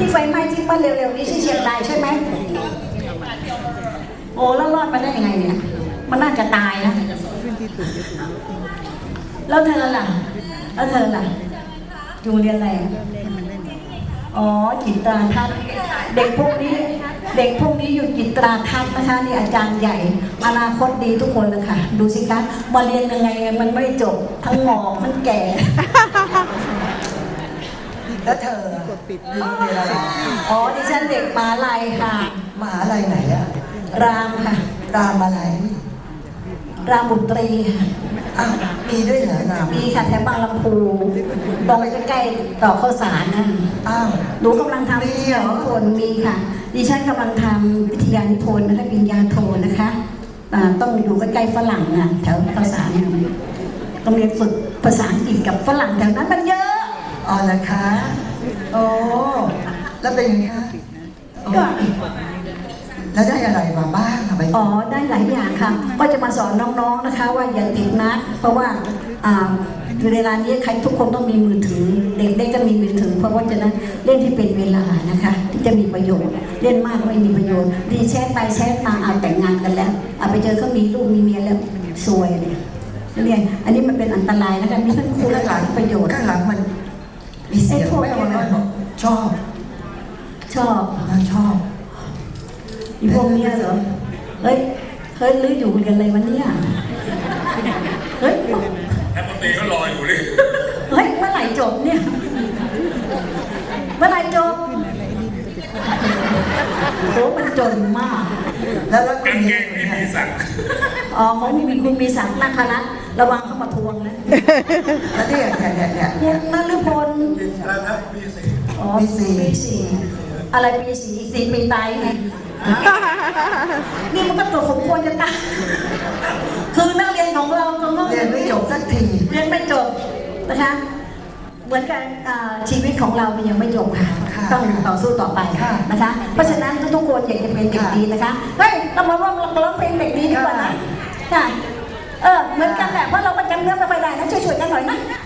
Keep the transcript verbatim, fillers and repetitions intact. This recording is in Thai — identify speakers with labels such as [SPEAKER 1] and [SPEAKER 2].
[SPEAKER 1] ที่ไฟไหม้ที่บ้านเร็วๆนี้ที่เชียงรายใช่ไหมโอ้แล้วรอดมาได้ยังไงเนี่ยมันน่าจะตายนะแล้วเธอล่ะแล้วเธอล่ะอยู่เรียนอะไรอ๋อจิตราทัศน์เด็กพวกนี้เด็กพวกนี้อยู่จิตราทัศน์นะคะนี่อาจารย์ใหญ่อนาคตดีทุกคนเลยค่ะดูสิคะมาเรียนยังไงมันไม่จบทั้งหงอกมันแก่
[SPEAKER 2] แล้วเธอเรียนอะไร
[SPEAKER 1] อ๋อดิฉันเด็กมหาลัยค่ะ
[SPEAKER 2] มหาลัยไหนอะ
[SPEAKER 1] รามค่ะ
[SPEAKER 2] รามอะไร
[SPEAKER 1] รามบุตรีค่ะ
[SPEAKER 2] อ้าวมีด้วยเหรอราม
[SPEAKER 1] มีค่ะแถวบางลำพูตรงใกล้ๆต่อข้าวสารนั่น
[SPEAKER 2] อ้าว
[SPEAKER 1] หนูกำลังทำวิทยานิพนธ์มีค่ะดิฉันกำลังทำวิทยานิพนธ์นะคะปริญญาโทนะคะต้องอยู่ใกล้ๆฝรั่งนะแถวข้าวสารต้องเรียนฝึกภาษาอังกฤษกับฝรั่งแถวนั้นมันเยอะ
[SPEAKER 2] อ๋อนะคะโอ้แล้วเป็นยังไงคะ
[SPEAKER 1] ก็
[SPEAKER 2] แล้วได้อะไรมาบ้างอะไป
[SPEAKER 1] อ๋อได้หลายอย่างค่ะก็จะมาสอนน้องๆนะคะว่าอย่าติดนักเพราะว่าอยู่ในร้านนี้ใครทุกคนต้องมีมือถือเด็กๆก็มีมือถือเพราะว่าจะนั้นเล่นที่เป็นเวลานะคะที่จะมีประโยชน์เล่นมากไม่มีประโยชน์ดีแชทไปแชทมาเอาแต่งงานกันแล้วเอาไปเจอเขามีลูกมีเมียแล้วซวยเลยเรียนอันนี้มันเป็นอันตรายนะคะมีทั้งคุณและหลายประโยชน์
[SPEAKER 2] ข้างหลังมันมีเสียงไม่เอาเลยชอบ
[SPEAKER 1] ชอบ
[SPEAKER 2] ชอบ
[SPEAKER 1] อีพวกเนี้ยเหรอเฮ้ยเฮ้ยลื้ออยู่เรียนอะไรวันนี้เฮ้ย
[SPEAKER 3] แอปตีก็รออยู่เลย
[SPEAKER 1] เฮ้ยเมื่อไหร่จบเนี่ยเมื่อไหร่จบโหมันจนมาก
[SPEAKER 2] แล้วแล้ว
[SPEAKER 3] กางเกงมีมีสั่ง
[SPEAKER 1] อ๋อของมีคุณมีสั่งนักคณะระวังเข้ามาทวงนะ
[SPEAKER 2] แล้วเนี่ยเนี่ยเนี่ย
[SPEAKER 1] คุณนฤพล
[SPEAKER 3] แล้วครับปีสี่
[SPEAKER 1] อ๋อปีสี่ปีสี่อะไรปีสี่สี่ปีตายไงนี่มันก็ตัวสมควรจะตายคือนักเรียนของเรา
[SPEAKER 2] เรียนไม่จบสักที
[SPEAKER 1] เรียนไม่จบนะคะเหมือนกันชีวิตของเรามันยังไม่จบค่ะต้องต่อสู้ต่อไปนะคะเพราะฉะนั้นทุกๆคนอยากจะเป็นเด็กดีนะคะเฮ้ยเรามาร่วมร้องเพลงเด็กดีดีกว่านะค่ะเออเหมือนกันแหละเพราะเราประจำเนื้อไม่ค่อยได้นะช่วยๆกันหน่อยนะ